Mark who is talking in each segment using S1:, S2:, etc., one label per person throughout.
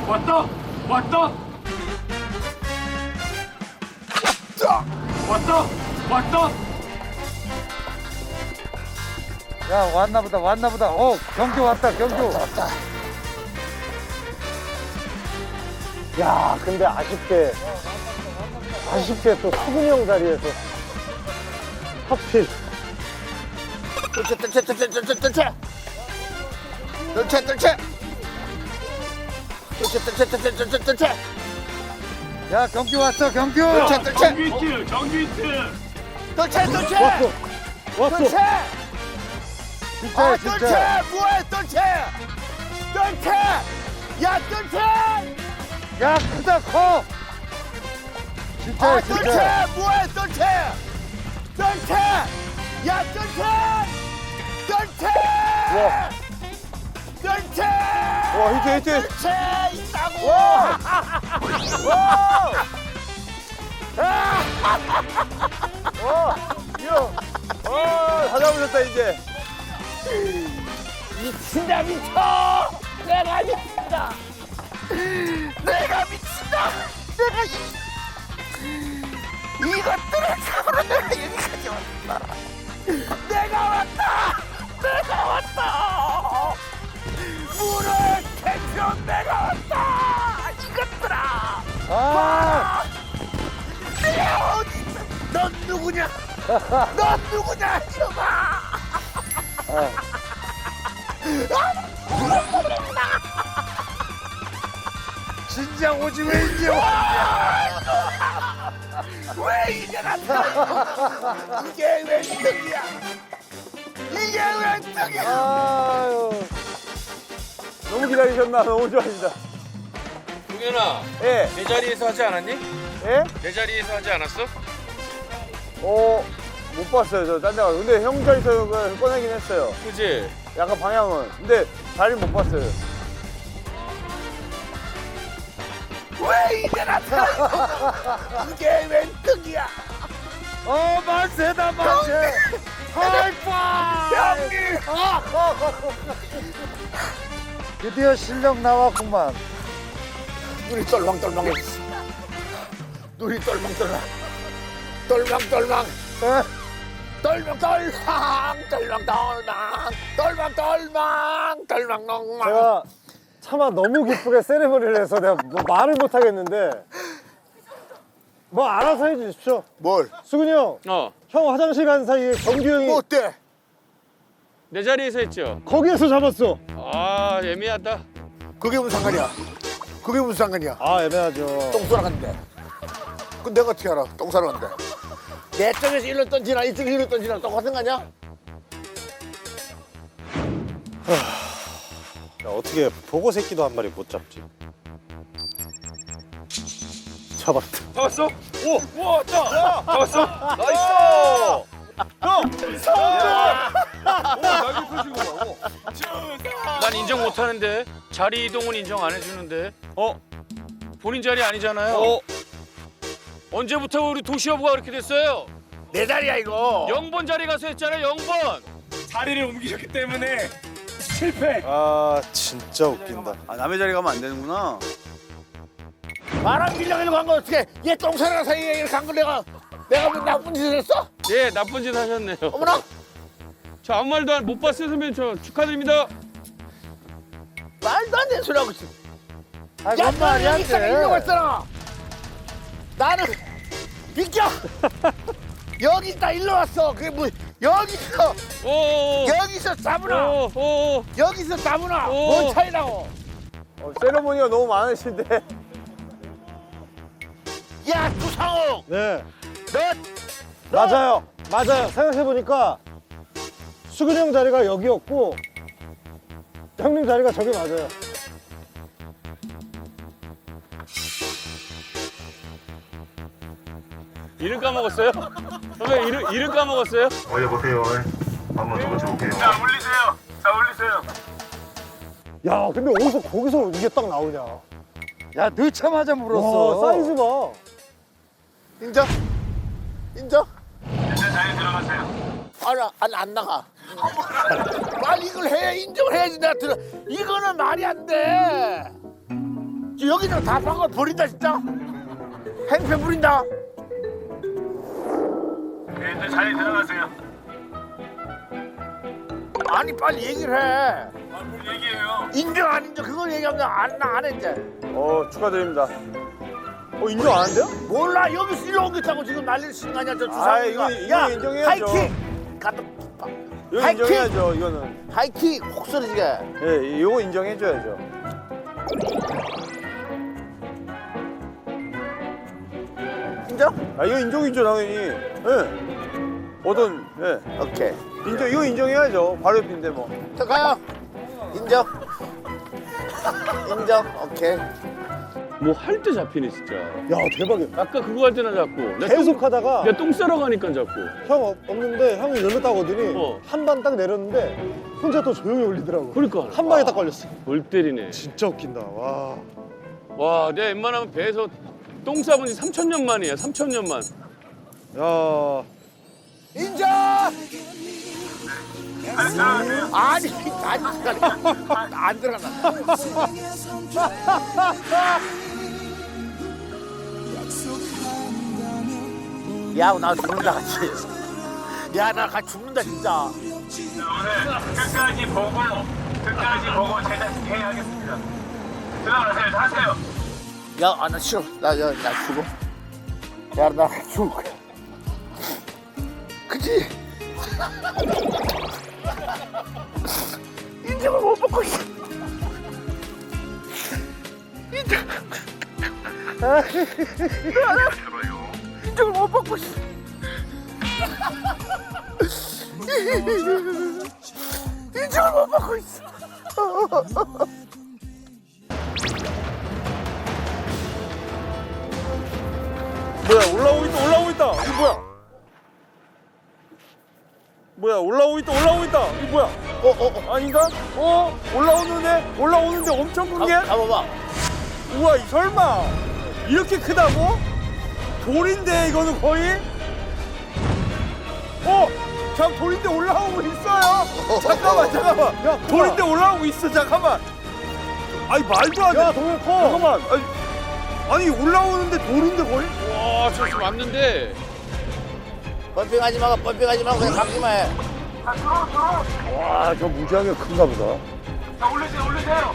S1: 왔다! 왔다! 왔다! 왔다!
S2: 야, 왔나 보다, 왔나 보다. 경규 왔다, 경규. 야, 근데 아쉽게 또 수근이 형 자리에서 하필. 야, 경규 왔어, 경규.
S1: 정규 히트! 정규 히트!
S2: 왔어. 진짜야, 진짜.
S3: 뭐야, 야,
S2: 야, 크다, 커. 진짜야, 진짜.
S3: 뭐야, 야,
S2: 와. 와, 히트.
S3: 있다고.
S2: 다 잡으셨다, 이제.
S3: 미친다, 미쳐. 내가 미친다. 이것들을 잡으러 내가 여기까지 왔다. 내가 왔다. 물을 캐쳐 내가 왔다. 이것들아.
S2: 아,
S3: 내가 어디 있어? 넌 누구냐? 이놈아.
S2: 진작 오지 왜 이제 와?
S3: 왜 이제 나타나? 이게 왜 등이야?
S2: 아유. 너무 기다리셨나? 너무 좋아하신다.
S1: 동현아,
S2: 예,
S1: 내 자리에서 하지 않았니?
S2: 예?
S1: 내 자리에서 하지 않았어?
S2: 못 봤어요, 저 딴 데 가서. 근데 형 자리에서 그걸 꺼내긴 했어요.
S1: 그지?
S2: 약간 방향은. 근데 자리 못 봤어요.
S3: 왜 이제 나타나? 이게 왜 등이야?
S2: 만세다, 만세! 하이파이브!
S3: 형님!
S2: 드디어 실력 나왔구만.
S3: 눈이 똘망똘망해. 눈이 똘망똘망. 똘망똘망. 똘망똘망.
S2: 제가 차마 너무 기쁘게 세레머니를 해서 내가 뭐 말을 못 하겠는데 뭐 알아서 해주십시오.
S3: 뭘?
S2: 수근이 형, 형 화장실 간 사이에 경규 형이
S3: 뭐 어때?
S1: 내 자리에서 했죠?
S2: 거기에서 잡았어.
S1: 아, 애매하다.
S3: 그게 무슨 상관이야?
S2: 아, 애매하죠.
S3: 똥 싸러 갔는데. 그 내가 어떻게 알아? 똥 싸러 갔는데. 내 쪽에서 일로 던지나 이쪽에서 일로 던지나 똑같은 거 아니야?
S4: 야, 어떻게 보고 새끼도 한 마리 못 잡지? 잡았다.
S1: 잡았어? 오! 우와, 왔다! 잡았어? 나이스! 난 인정 못 하는데. 자리 이동은 인정 안 해주는데. 본인 자리 아니잖아요. 언제부터 우리 도시여부가 그렇게 됐어요?
S3: 내 자리야 이거.
S1: 0번 자리 가서 했잖아요, 0번!
S5: 자리를 옮기셨기 때문에 실패.
S4: 아, 진짜 웃긴다.
S6: 남의 자리 가면 안 되는구나.
S3: 바람 빌려가지고 간 거 어떻게? 얘 똥 싸러 사이에 이렇게 간 거 내가 뭐 나쁜 짓을 했어?
S1: 예, 나쁜 짓 하셨네요.
S3: 어머나.
S1: 저 아무 말도 못 봤어요, 선배님. 저 축하드립니다.
S3: 말도 안 되는 소리 하고 있어.
S2: 아,
S3: 야,
S2: 뭔 말이
S3: 너
S2: 안
S3: 여기 있잖아, 일로
S2: 돼.
S3: 왔잖아. 나는 비켜. 여기 있다, 일로 왔어. 그게 뭐 여기서
S1: 오!
S3: 여기서 잡으나.
S1: 오!
S3: 여기서 잡으나.
S1: 오.
S3: 뭔 차이라고?
S2: 세레머니가 너무 많으신데.
S3: 야, 구상호.
S2: 네.
S3: 너
S2: 맞아요. 생각해보니까 수근이 형 자리가 여기였고 형님 자리가 저기 맞아요.
S1: 이름 까먹었어요? 선배 이름 까먹었어요?
S7: 올려보세요. 한번 더 고쳐볼게요.
S1: 올리세요.
S2: 야, 근데 어디서 거기서 이게 딱 나오냐?
S6: 야, 넣자마자 물었어.
S2: 와, 사이즈 봐.
S3: 인정? 인정?
S1: 이제 자리 들어가세요.
S3: 아니, 안 나가. 빨리 이걸 해. 인정을 해야지. 내가 들어. 이거는 말이 안 돼. 여기는 다 방울 버린다 진짜. 행패 부린다.
S7: 네, 이제 자리 들어가세요.
S3: 아니 빨리 얘기를 해.
S7: 뭘 얘기해요?
S3: 인정 안 인정 그걸 얘기하면 안 해 이제.
S4: 축하드립니다. 인정 안 한대요?
S3: 몰라 여기서 일로 옮겼다고 지금 난리를 치는 거 아니야 저
S4: 아,
S3: 주사위가.
S4: 이거 인정해야죠.
S3: 하이킥. 갔다.
S4: 이거
S3: 하이킥.
S4: 인정해야죠, 이거는.
S3: 하이킥 혹 쓰러지게.
S4: 예, 이거 인정해줘야죠.
S3: 인정?
S4: 아, 이거 인정이죠, 당연히. 예. 예.
S3: 오케이.
S4: 이거 인정해야죠. 바로 옆인데 뭐.
S3: 자 가요. 인정. 인정. 오케이.
S1: 뭐 할 때 잡히네 진짜.
S2: 야 대박이야.
S1: 아까 그거 할 때나 잡고.
S2: 계속 하다가
S1: 내가 똥 싸러 가니까 잡고.
S2: 형 없는데 형이 열렸다고 하더니
S1: 어.
S2: 한 방 딱 내렸는데 혼자 또 조용히 올리더라고.
S1: 그러니까.
S2: 한 방에 딱 걸렸어.
S1: 골 때리네.
S2: 진짜 웃긴다. 와.
S1: 와, 내가 웬만하면 배에서 똥 싸본 지 3,000년 만이야. 3,000년 만.
S2: 야.
S3: 인정. 아니 안 들어간다. 야, 나 죽는다 같이. 야, 나 같이 죽는다 진짜.
S7: 오늘 끝까지 보고 제작해야겠습니다. 들어가세요. 하세요.
S3: 야, 나 싫어. 나 죽어. 야, 나 죽을 거야. 그치? 인정을 못 받고 있어. 인정을 못 받고 있어. 인정을 못 받고 있어.
S4: 뭐야, 올라오고 있다. 이거 뭐야? 올라오고 있다. 이거 뭐야? 아닌가? 올라오는데 엄청 큰 게?
S3: 가봐봐.
S4: 우와, 설마 이렇게 크다고? 돌인데 이거는 거의? 돌인데 올라오고 있어요. 잠깐만. 야, 돌인데 올라오고 있어. 잠깐만. 아니 말도 안 돼.
S2: 야 동현 커.
S4: 잠깐만. 아니 올라오는데 돌인데 거의?
S1: 와, 저기 왔는데.
S3: 펌핑하지 말고 그냥 감기만 해.
S2: 와, 저 무지하게 큰가 보다.
S7: 자, 올리세요.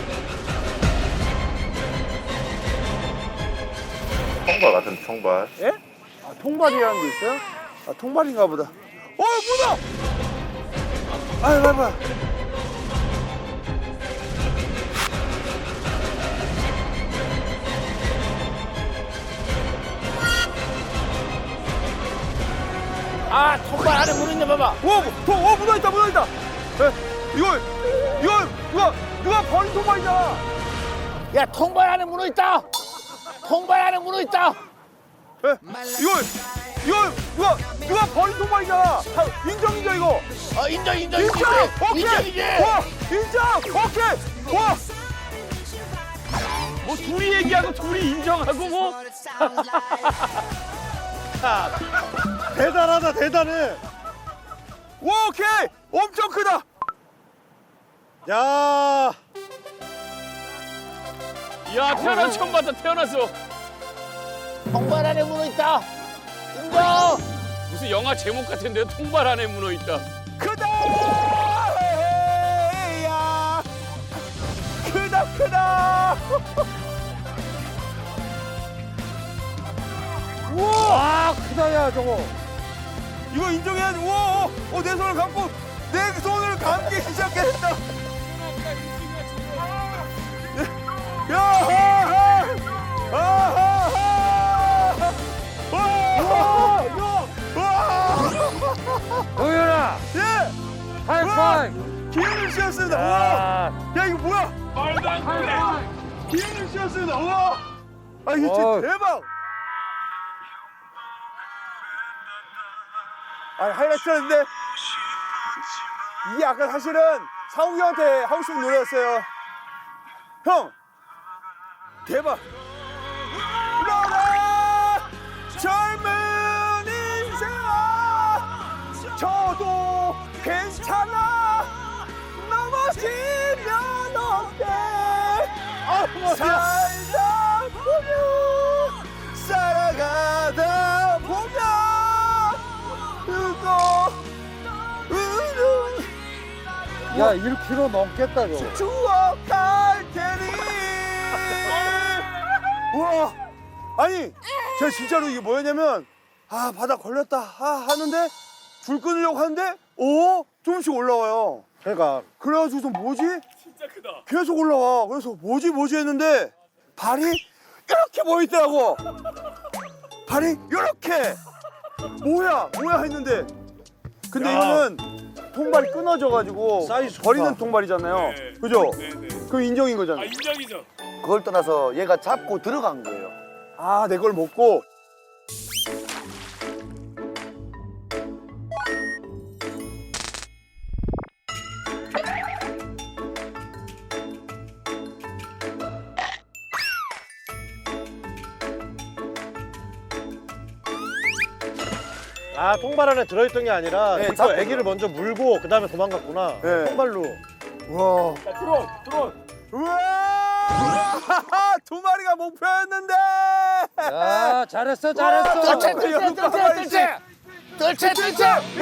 S7: 통발 같은 통발.
S4: 예? 통발이라는 게 있어요? 통발인가 보다. 뭐다? 봐봐.
S3: 아, 통발 안에 물 있네, 봐봐.
S4: 묻어있다. 이거 누가 버린 통발이잖아.
S3: 야, 통발 안에 문어 있다. 통발 안에 문어 있다.
S4: 이거 누가 버린 통발이잖아. 인정이죠 이거.
S3: 인정.
S4: 오케이.
S3: 인정이지.
S4: 와, 인정. 오케이. 와.
S1: 뭐 둘이 얘기하고 둘이 인정하고 뭐.
S2: 대단하다, 대단해.
S4: 오케이. 엄청 크다.
S2: 야.
S1: 야, 태어나서 처음 봤다. 태어나서.
S3: 통발 안에 문어 있다. 인정.
S1: 무슨 영화 제목 같은데 통발 안에 문어 있다.
S4: 크다. 야. 크다.
S2: 와, 크다 야 저거.
S4: 이거 인정해야지. 우와, 내 손을 감고 내 손을 감기 시작했다.
S2: 동현아,
S4: 예,
S2: 하이파이브.
S4: 기운을 씌웠습니다. 우와, 야 이거 뭐야?
S5: 말도 안 돼.
S4: 기운을 씌웠습니다. 우와, 이거 진짜
S2: 어.
S4: 대박. 하이라이트였는데 이게 아까 사실은 상욱이 형한테 하고 싶은 노래였어요. 형, 대박. 울어라 젊은 인생아, 저도 괜찮아, 넘어지면 어때. 살다
S2: 야 1kg 넘겠다 저거.
S4: 추억할 테니. 우와. 아니, 제가 진짜로 이게 뭐였냐면 아 바다 걸렸다 하는데 줄 끊으려고 하는데 조금씩 올라와요.
S2: 그러니까
S4: 그래가지고 좀 뭐지? 진짜 크다. 계속 올라와. 그래서 뭐지 했는데 발이 이렇게 보이더라고. 발이 이렇게. 뭐야 했는데 근데 이거는 통발이 끊어져가지고
S2: 사이즈 좋다.
S4: 버리는 통발이잖아요. 그죠? 그럼 인정인 거잖아.
S5: 인정이죠.
S3: 그걸 떠나서 얘가 잡고 들어간 거예요.
S4: 아, 내 걸 먹고.
S2: 아 통발 안에 들어있던 게 아니라
S4: 네,
S2: 이거
S4: 잡고
S2: 애기를 먼저 물고 그 다음에 도망갔구나.
S4: 네.
S2: 통발로.
S4: 우와.
S5: 드론.
S4: 우와! 두 마리가 목표였는데!
S2: 야 잘했어 잘했어.
S3: 뜰채
S4: 와,
S3: 뜰채
S4: 여기
S3: 뜰채
S4: 가만히
S3: 뜰채 뜰채 뜰채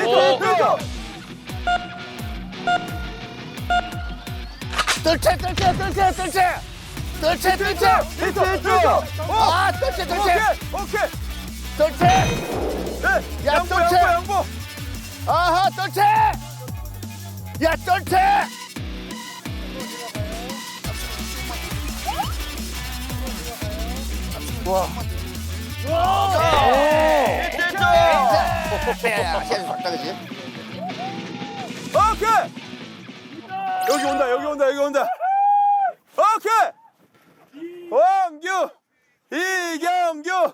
S3: 뜰채 뜰채 뜰채 뜰채 뜰채 뜰채 아 뜰채 뜰채
S4: 오케이!
S3: 뜰채
S4: 네!
S3: 야,
S4: 양보,
S3: 뜰채!
S4: 양보!
S3: 아하 뜰채 야 뜰채 야 계속 왔다 그지
S4: 오케이! 여기 온다. 오케이! 왕규! 이경규!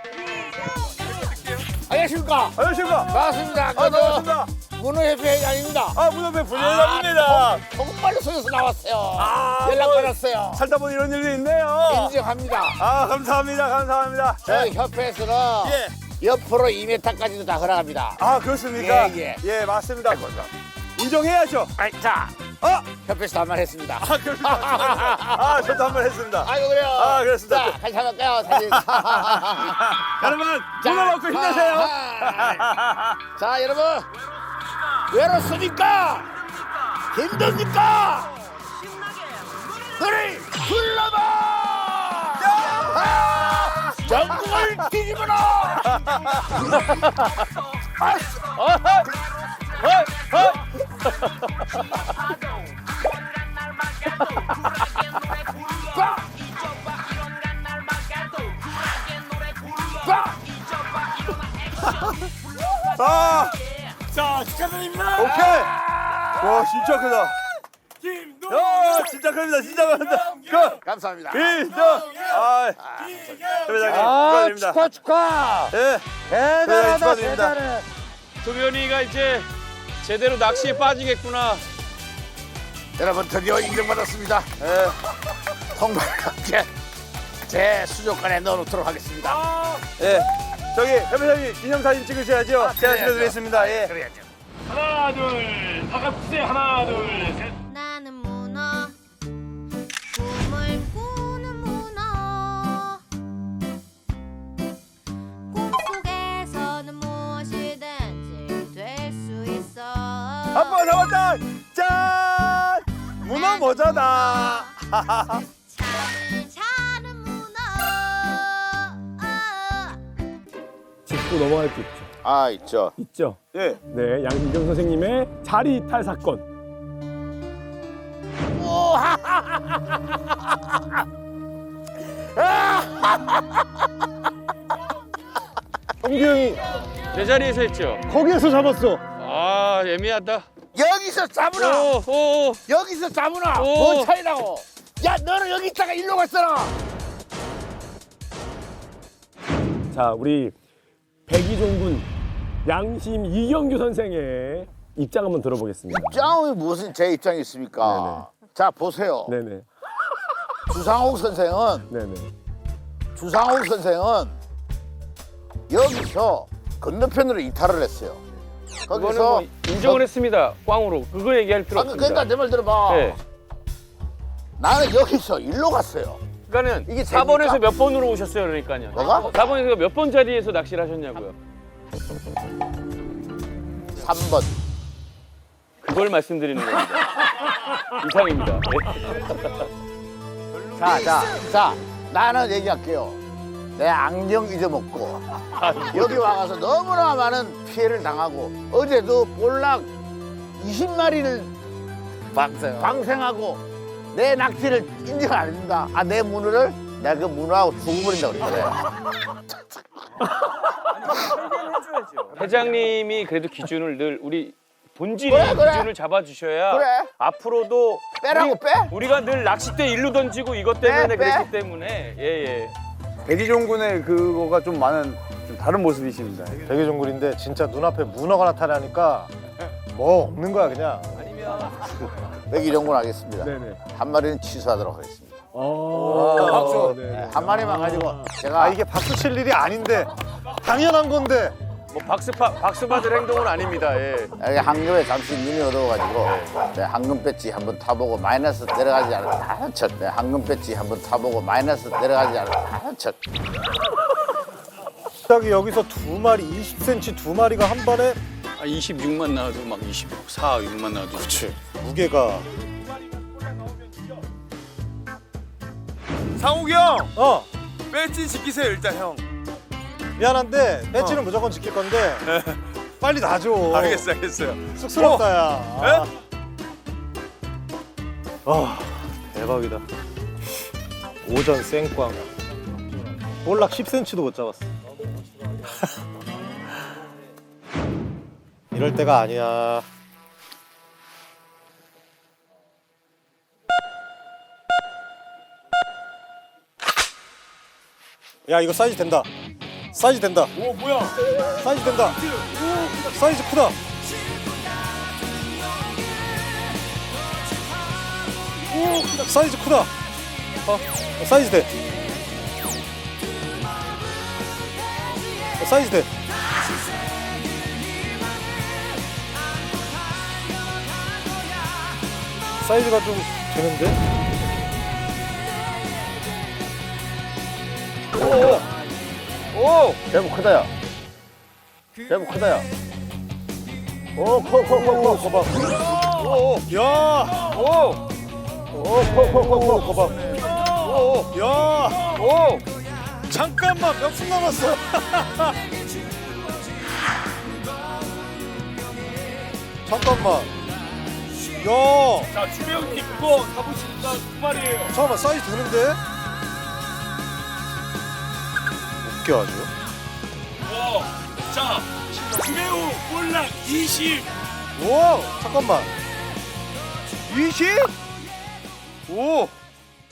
S3: 안녕하십니까
S4: 안녕하십니까?
S3: 반갑습니다
S4: 반갑습니다.
S3: 문어협회 회장입니다
S4: 문어배 부회장입니다.
S3: 정말로 서울에서 나왔어요
S4: 아,
S3: 연락
S4: 뭐,
S3: 받았어요
S4: 살다 보니 이런 일도 있네요.
S3: 인정합니다
S4: 아, 감사합니다.
S3: 저희 협회에서는
S4: 예.
S3: 옆으로 2m까지도 다 걸어갑니다
S4: 아, 그렇습니까?
S3: 예.
S4: 맞습니다. 인정해야죠.
S3: 자
S4: 아,
S3: 협회에서 한 말 했습니다
S4: 그렇습니다. 아, 저도 한 번 했습니다.
S3: 아이고 그래요
S4: 아, 그렇습니다.
S3: 자 같이 한번 할까요 사진
S4: 여러분, 문어 먹고 힘내세요.
S3: 자 여러분 외롭습니까? 힘듭니까? 너를 불러봐! 전국을 뒤집어라!
S4: 아,
S5: 자, 축하드립니다.
S4: 오케이. 와, 진짜 크다.
S5: 김동.
S4: 야, 진짜 큽니다. 그,
S3: 감사합니다.
S4: 인정. 아, 회장님,
S2: 아
S4: 축하드립니다.
S2: 축하.
S4: 예,
S2: 대단하다
S4: 축하드립니다.
S2: 대단해.
S1: 도겸이가 이제 제대로 낚시에 빠지겠구나.
S3: 여러분 드디어 인정받았습니다.
S4: 예,
S3: 통발과 함께 제 수족관에 넣어놓도록 하겠습니다.
S4: 예. 저기, 회장님, 기념사진 찍으셔야죠. 제가
S3: 그래야죠.
S4: 찍어드리겠습니다. 예.
S3: 그래야죠.
S7: 하나 둘 바깥세 하나 둘셋
S8: 나는 문어 꿈을 꾸는 문어 꿈속에서는 무엇이든지 될 수 있어
S4: 아빠 잡았다. 짠! 문어 모자다.
S8: 잠을 자는 문어
S5: 짚고 넘어갈 수 있죠.
S3: 아 있죠.
S5: 있죠.
S4: 예.
S5: 네, 양진경 선생님의 자리 이탈 사건.
S2: 성규 형이
S1: 내 자리에서 했죠.
S2: 거기에서 잡았어.
S1: 아 애매하다.
S3: 여기서 잡으라.
S1: 오.
S3: 여기서 잡으라.
S1: 오.
S3: 뭔 차이라고. 야 너는 여기 있다가 일로 갔잖아.
S5: 자, 우리 백이종군 양심 이경규 선생의 입장 한번 들어보겠습니다.
S3: 짱이 무슨 제 입장이 있습니까? 자 보세요.
S5: 네네.
S3: 주상옥 선생은
S5: 네네.
S3: 여기서 건너편으로 이탈을 했어요.
S1: 그거는
S3: 거기서
S1: 뭐 인정을 했습니다. 꽝으로. 그거 얘기할 필요 없습니다.
S3: 그러니까 내 말 들어봐.
S1: 네.
S3: 나는 여기서 일로 갔어요.
S1: 그러니까는
S3: 이게
S1: 4번에서
S3: 됩니까?
S1: 몇 번으로 오셨어요, 그러니까요.
S3: 뭐가?
S1: 4번에서 몇 번 자리에서 낚시를 하셨냐고요.
S3: 3번.
S1: 그걸 말씀드리는 겁니다. 이상입니다.
S3: 자, 나는 얘기할게요. 내 안경 잊어먹고 여기 와가서 너무나 많은 피해를 당하고 어제도 볼락 20마리를 방생하고 내 낚시를 인정 안 해준다. 아, 내 문어를 내가 그 문어하고 죽어버린다고 그랬거든.
S1: 회장님이 그래도 기준을 늘 우리 본질이
S3: 그래.
S1: 기준을 잡아주셔야
S3: 그래.
S1: 앞으로도
S3: 빼라고 빼?
S1: 우리가 늘 낚싯대 일로 던지고 이것 때문에
S3: 빼.
S1: 그랬기 때문에 예예.
S6: 백이종군의 그거가 좀 많은 좀 다른 모습이십니다.
S2: 되게 종굴인데 진짜 눈앞에 문어가 나타나니까 뭐 없는 거야 그냥.
S3: 백이정군 하겠습니다.
S5: 네네.
S3: 한 마리는 취소하도록 하겠습니다.
S5: 박수.
S3: 네, 한 마리만 가지고 제가
S2: 아 이게 박수 칠 일이 아닌데 당연한 건데.
S1: 뭐 박수 받을 행동은 아닙니다. 예.
S3: 여기 황금에 잠시 눈이 어두워가지고 내 황금 배지 한번 타보고 마이너스 내려가지 않은 척. 내 황금 배지 한번 타보고 마이너스 내려가지 않은 척.
S2: 갑자기 여기서 두 마리 20cm 두 마리가 한 번에
S6: 26만 나와도 막 24, 6만 나와도.
S2: 그치 무게가
S4: 상욱이 형,
S2: 어
S4: 배지 지키세요 일단 형.
S2: 미안한데 배지는 무조건 지킬 건데 빨리 놔줘.
S4: 알겠어요.
S2: 쑥스럽다 야. 아 대박이다. 오전 생꽝 볼락 10cm도 못 잡았어. 이럴 때가 아니야. 야 이거 사이즈 된다. 사이즈 된다.
S1: 오 뭐야?
S2: 사이즈 된다. 사이즈 크다. 오, 사이즈 크다. 사이즈 돼. 사이즈 돼. 사이즈가 좀 되는데?
S3: 대부 크다 야. 대부 크다 야. 오, 커.
S2: 거봐. 야!
S1: 오!
S2: 커. 거봐.
S1: 오!
S2: 야!
S1: 오!
S2: 잠깐만, 몇 분 남았어? 잠깐만. 야!
S1: 자 주배우님 그거 가보시니까 두 마리예요.
S2: 잠깐만, 사이즈 되는데? 웃겨 아주.
S7: 자 주배우 볼락 20.
S2: 오! 잠깐만.
S4: 20? 오,